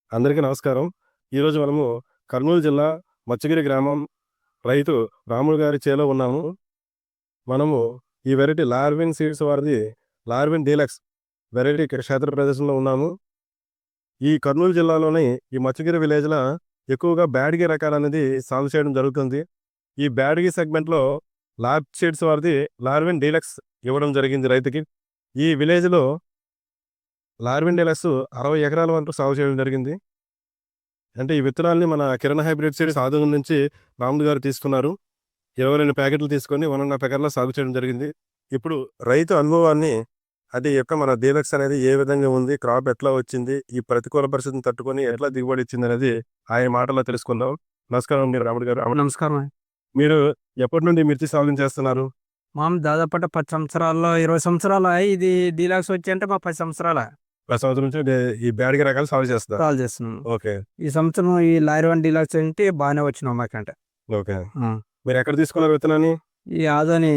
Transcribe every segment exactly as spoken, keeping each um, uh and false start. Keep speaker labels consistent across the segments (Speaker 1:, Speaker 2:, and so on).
Speaker 1: అందరికీ నమస్కారం. ఈరోజు మనము కర్నూలు జిల్లా మచ్చగిరి గ్రామం రైతు రాములు గారి చేలో ఉన్నాము. మనము ఈ వెరైటీ లార్విన్ సీడ్స్ వారిది లార్విన్ డీలక్స్ వెరైటీ క్షేత్ర ప్రదేశంలో ఉన్నాము. ఈ కర్నూలు జిల్లాలోని ఈ మచ్చగిరి విలేజ్‌లో ఎక్కువగా బ్యాడగి రకాలనేది సాగు చేయడం జరుగుతుంది. ఈ బ్యాడగి సెగ్మెంట్‌లో లార్వ్ సీడ్స్ వారిది లార్విన్ డీలక్స్ ఇవ్వడం జరిగింది రైతుకి. ఈ విలేజ్‌లో లార్విన్ డీలక్స్ అరవై ఎకరాల వరకు సాగు చేయడం జరిగింది. అంటే ఈ విత్తనాల్ని మన కిరణ్ హైబ్రిడ్ సీడ్స్ ఆదోని నుంచి రాములు గారు తీసుకున్నారు. ఇరవై రెండు ప్యాకెట్లు తీసుకొని ఒక ½ ఎకర్‌లో సాగు చేయడం జరిగింది. ఇప్పుడు రైతు అనుభవాన్ని అది యొక్క మన డీలక్స్ అనేది ఏ విధంగా ఉంది, క్రాప్ ఎట్లా వచ్చింది, ఈ ప్రతికూల పరిస్థితిని తట్టుకొని ఎట్లా దిగుబడి ఇచ్చిందనేది ఆయన మాటల్లో తెలుసుకుందాం. నమస్కారం అండి రాములు గారు.
Speaker 2: నమస్కారం.
Speaker 1: మీరు ఎప్పటి నుండి మిర్చి సాగు చేస్తున్నారు?
Speaker 2: మాము దాదాపు పది సంవత్సరాల్లో ఇరవై సంవత్సరాలు అయ్యి ఇది డీలాక్స్ వచ్చి అంటే మా పది సంవత్సరాల
Speaker 1: పది సంవత్సరాల నుంచి డే- ఈ బ్యాడగి రకాలు సాగు చేస్తున్నారు.
Speaker 2: కాల్ చేస్తున్నాం.
Speaker 1: ఓకే
Speaker 2: ఈ సంవత్సరం ఈ లారీ వన్ డీలాక్స్ అంటే బాగానే వచ్చినాం మాకంటే.
Speaker 1: ఓకే
Speaker 2: ఆ.
Speaker 1: మీరు ఎక్కడ తీసుకున్నారు విత్తనాన్ని?
Speaker 2: ఈ ఆదోని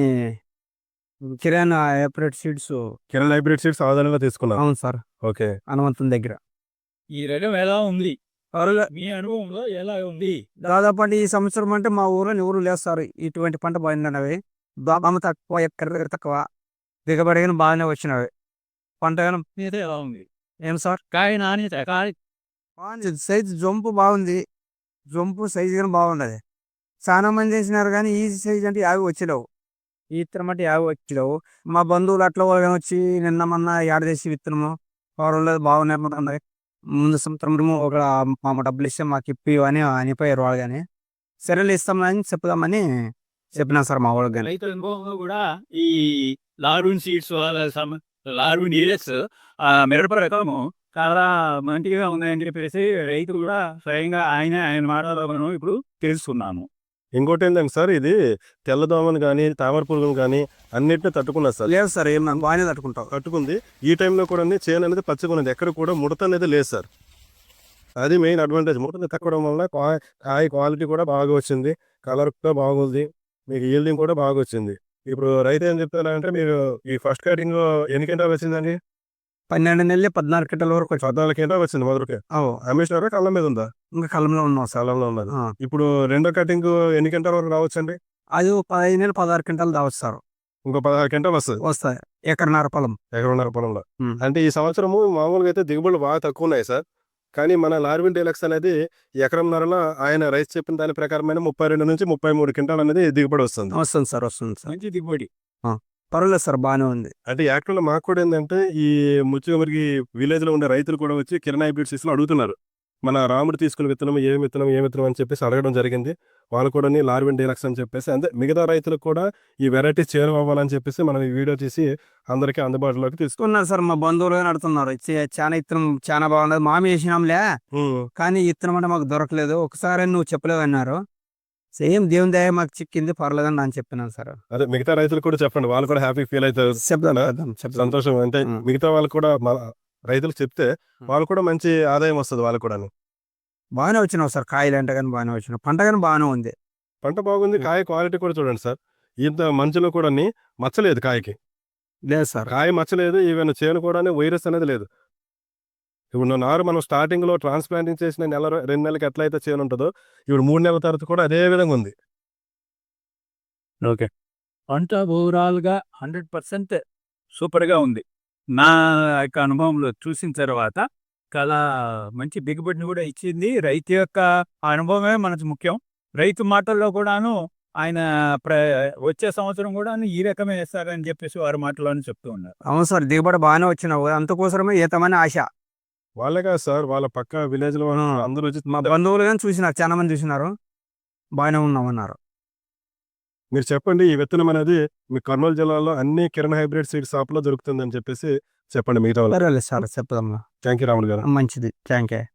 Speaker 2: కిరాణా hybrid seeds.
Speaker 1: Kiran hybrid seeds ఆదాయంలో తీసుకున్నారు.
Speaker 2: అవును సార్,
Speaker 1: ఓకే
Speaker 2: హనుమంతుని దగ్గర.
Speaker 3: ఈ రకం ఎలా ఉంది?
Speaker 2: పర్వాలే.
Speaker 3: మీ అనుభవంలో ఎలా ఉంది?
Speaker 2: దాదాపు అంటే ఈ సంవత్సరం అంటే మా ఊరిలో ఎవరు లేస్తారు ఇటువంటి పంట బాగుందన్నవి. బాగా తక్కువ ఎక్కడ తక్కువ దిగబడి కానీ బాగానే వచ్చినవి. పంట కానీ
Speaker 3: మీద ఎలా ఉంది?
Speaker 2: ఏం సార్
Speaker 3: కాయ నాణ్యత కాయ
Speaker 2: బాగుంది. సైజు జంపు బాగుంది. జంపు సైజు కానీ బాగున్నది. చాలా మంది చేసినారు కానీ ఈ సైజ్ అంటే యాభై వచ్చేలేవు. ఈ విత్తనం అంటే యాభై వచ్చేలేవు. మా బంధువులు అట్లా వాళ్ళు వచ్చి నిన్న మొన్న యాడ చేసి విత్తనము వాళ్ళు బాగున్నాయి. ముందు సంవత్సరం ఒక మా డబ్బులు ఇస్తే మాకు ఇప్పి అని అనిపోయారు వాళ్ళు. కానీ సరేలు ఇస్తామని చెప్దామని చెప్పినా సార్ మా వాళ్ళకి. కానీ
Speaker 3: రైతు అనుభవంలో కూడా ఈ లార్విన్ సీడ్స్ లార్విన్ డీలక్స్ మిరప రకము చాలా మంచిగా ఉన్నాయని చెప్పేసి రైతు కూడా స్వయంగా ఆయన ఆయన మాటలో మనం ఇప్పుడు తెలుసుకున్నాము.
Speaker 1: ఇంకోటి ఏంటంటే సార్, ఇది తెల్లదోమను కానీ తామర పురుగును కానీ అన్నిటిని తట్టుకున్నది సార్.
Speaker 2: లేదు సార్, ఏం బాగానే తట్టుకుంటాం.
Speaker 1: తట్టుకుంది. ఈ టైంలో కూడా చేను అనేది పచ్చగా ఉన్నది. ఎక్కడ కూడా ముడత అనేది లేదు సార్. అది మెయిన్ అడ్వాంటేజ్. ముడత తక్కడం వల్ల కాయ కాయ క్వాలిటీ కూడా బాగా వచ్చింది. కలర్ కూడా బాగుంది. మీకు ఈల్డింగ్ కూడా బాగా వచ్చింది. ఇప్పుడు రైతు ఏం చెప్తారంటే, మీరు ఈ ఫస్ట్ కటింగ్ ఎన్ని క్వింటాలు వచ్చిందండి?
Speaker 2: పన్నెండు నెలలు పద్నాలుగు గంటల వరకు వచ్చి
Speaker 1: పద్నాలుగు క్వింటాలు వచ్చింది మొదటికే. అమ్మేసినారా? కళ్ళ మీద ఉందా?
Speaker 2: ఇంకా కాలంలో ఉన్నాం సార్.
Speaker 1: కాలంలో ఉన్నది.
Speaker 2: ఆ.
Speaker 1: ఇప్పుడు రెండో కటింగ్ ఎన్ని క్వింటాల వరకు రావచ్చండి?
Speaker 2: అది ఒక పదహైదు నెలలు పదహారు క్వింటాలు దావస్తారు.
Speaker 1: ఇంకో పదహారు క్వింటాలు వస్తుంది
Speaker 2: వస్తాయి ఎకరన్నర పొలం.
Speaker 1: ఎకరన్నర పొలంలో.
Speaker 2: ఉమ్.
Speaker 1: అంటే ఈ సంవత్సరము మామూలుగా అయితే దిగుబడులు బాగా తక్కువ ఉన్నాయి సార్. కానీ మన లార్విన్ డీలక్స్ అనేది ఎకరంన్నరలో ఆయన రైతు చెప్పిన దాని ప్రకారమైన ముప్పై రెండు నుంచి ముప్పై మూడు క్వింటాల్ అనేది దిగుబడి వస్తుంది.
Speaker 2: వస్తుంది సార్, వస్తుంది సార్.
Speaker 3: మంచి దిగుబడి.
Speaker 2: పర్వాలేదు సార్, బాగానే ఉంది.
Speaker 1: అంటే యాక్చువల్గా మాకు కూడా ఏంటంటే, ఈ ముచ్చుగమరికి విలేజ్ లో ఉండే రైతులు కూడా వచ్చి కిరణ్ హైబ్రిడ్ సీడ్స్ లో అడుగుతున్నారు, మన రాముడు తీసుకున్న విత్తనం ఏ విత్తనం ఏ విత్తనం అని చెప్పేసి అడగడం జరిగింది. వాళ్ళు కూడా లార్విన్ డీలక్స్ అని చెప్పేసి, అంటే మిగతా రైతులకు కూడా ఈ వెరైటీ చేరువవ్వాలని చెప్పేసి మనం ఈ వీడియో తీసి అందరికీ అందుబాటులోకి తీసుకున్నాం.
Speaker 2: తీసుకున్నారు సార్, మా బంధువులు నడుతున్నారు. చాలా ఇత్తనం చాలా బాగున్నది, మామి వేసినాంలే కానీ ఇత్తనం అంటే మాకు దొరకలేదు. ఒకసారి నువ్వు చెప్పలేవు అన్నారు. సేమ్ దేవుని దయ మాకు చిక్కింది, పర్లేదని నేను చెప్పినాను సార్.
Speaker 1: అదే మిగతా రైతులు కూడా చెప్పండి, వాళ్ళు కూడా హ్యాపీ ఫీల్ అవుతారు.
Speaker 2: చెప్తాను
Speaker 1: ఆ?
Speaker 2: చెప్తాను చెప్తాను.
Speaker 1: సంతోషం. అంటే
Speaker 2: ఉం.
Speaker 1: మిగతా వాళ్ళు కూడా మన రైతులకు చెప్తే వాళ్ళు కూడా మంచి ఆదాయం వస్తుంది వాళ్ళు కూడా.
Speaker 2: బాగానే వచ్చినావు సార్, కాయలు అంటే కానీ బాగానే వచ్చినావు, పంట కానీ బాగానే ఉంది.
Speaker 1: పంట బాగుంది. కాయ క్వాలిటీ కూడా చూడండి సార్. ఇంత మంచులో కూడా మచ్చలేదు కాయకి.
Speaker 2: లేదు సార్,
Speaker 1: కాయ మచ్చలేదు. ఈవెన్ చేను కూడా వైరస్ అనేది లేదు. ఇప్పుడు నారు మనం స్టార్టింగ్ లో ట్రాన్స్ప్లాంటింగ్ చేసిన నెల రో- రెండు నెలలకి ఎట్లయితే చేను ఉంటుందో, ఇప్పుడు మూడు నెలల తర్వాత కూడా అదే విధంగా ఉంది.
Speaker 3: ఓకే. పంట ఓవరాల్ గా హండ్రెడ్ పర్సెంట్ సూపర్ గా ఉంది. నా యొక్క అనుభవంలో చూసిన తర్వాత చాలా మంచి దిగుబడిని కూడా ఇచ్చింది. రైతు యొక్క అనుభవమే మనకు ముఖ్యం. రైతు మాటల్లో కూడాను ఆయన ప్ర వచ్చే సంవత్సరం కూడాను ఈ రకమే వేస్తారని చెప్పేసి వారి మాటల్లోనే చెప్తూ ఉన్నారు.
Speaker 2: అవును సార్, దిగుబడి బాగానే వచ్చినావు. అందుకోసమే ఈతమని ఆశ.
Speaker 1: వాళ్ళే కాదు సార్, వాళ్ళ పక్క విలేజ్ లో
Speaker 2: ఆ.
Speaker 1: అందరూ వచ్చి
Speaker 2: మా బంధువులు కానీ చూసినారు, చాలా మంది చూసినారు, బాగానే ఉన్నామన్నారు.
Speaker 1: మీరు చెప్పండి, ఈ విత్తనం అనేది మీ కర్నూలు జిల్లాలో అన్ని కిరణ్ హైబ్రిడ్ సీడ్ షాప్ లో దొరుకుతుంది అని చెప్పేసి చెప్పండి మిగతా వాళ్ళు.
Speaker 2: పర్వాలేదు సార్, చెప్దాం.
Speaker 1: థ్యాంక్ యూ రాములు గారు.
Speaker 2: మంచిది, థ్యాంక్ యూ.